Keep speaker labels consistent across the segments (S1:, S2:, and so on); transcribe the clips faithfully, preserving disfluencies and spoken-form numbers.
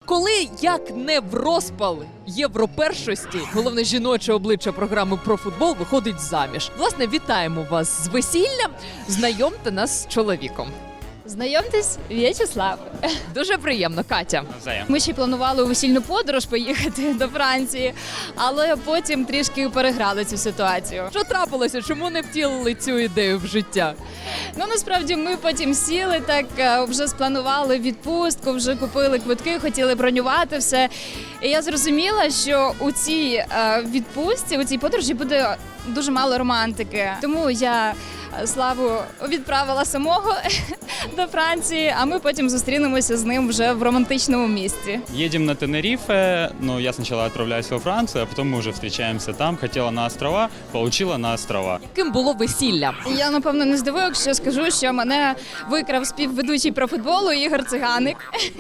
S1: Коли, як не в розпал європершості, головне жіноче обличчя програми про футбол виходить заміж. Власне, вітаємо вас з весіллям. Знайомте нас з чоловіком.
S2: Знайомтесь, В'ячеслав.
S1: Дуже приємно, Катя.
S3: Взаєм.
S2: Ми ще й планували у весільну подорож поїхати до Франції, але потім трішки переграли цю ситуацію.
S1: Що трапилося? Чому не втілили цю ідею в життя?
S2: Ну, насправді, ми потім сіли, так е, вже спланували відпустку, вже купили квитки, хотіли бронювати все. І я зрозуміла, що у цій е, відпустці, у цій подорожі буде дуже мало романтики. Тому я е, Славу відправила самого до Франції, а ми потім зустрінемося з ним вже в романтичному місці.
S3: Едем на Тенерифе, но я сначала отправляюсь во Францию, а потом мы уже встречаемся там. Хотела на острова, получила на острова.
S1: Ким було весілля?
S2: Я, напевно, не здивую, якщо скажу, що мене викрав співведучий про футболу Ігор Циганик.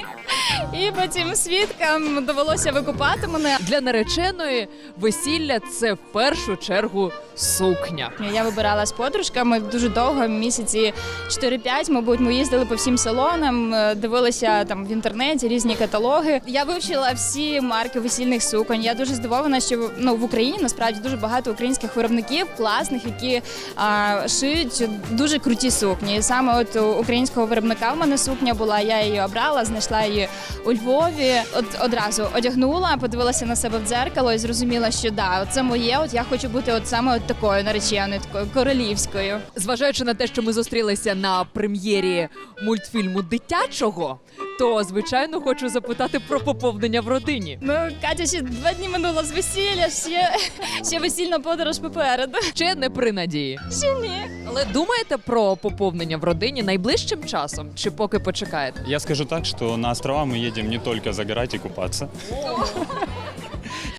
S2: І потім свідкам довелося викупати мене.
S1: Для нареченої весілля – це в першу чергу сукня.
S2: Я вибирала з подружками дуже довго, місяці чотири-п'ять, мабуть, ми їздили по всім салонам, дивилися там в інтернеті різні каталоги. Я вивчила всі марки весільних суконь. Я дуже здивована, що ну, в Україні насправді дуже багато українських виробників, класних, які а, шиють дуже круті сукні. І саме от у українського виробника в мене сукня була, я її обрала, знайшла її у Львові. От одразу одягнула, подивилася на себе в дзеркало і зрозуміла, що да, це моє, от я хочу бути от саме от такою нареченою, такою королівською.
S1: Зважаючи на те, що ми зустрілися на прем'єрі мультфільму дитячого, то, звичайно, хочу запитати про поповнення в родині.
S2: Ну, Катя, ще два дні минуло з весілля, ще, ще весільна подорож попереду.
S1: Ще не при надії.
S2: Ще ні.
S1: Але думаєте про поповнення в родині найближчим часом? Чи поки почекаєте?
S3: Я скажу так, что на острова мы едем не только загорать и купаться.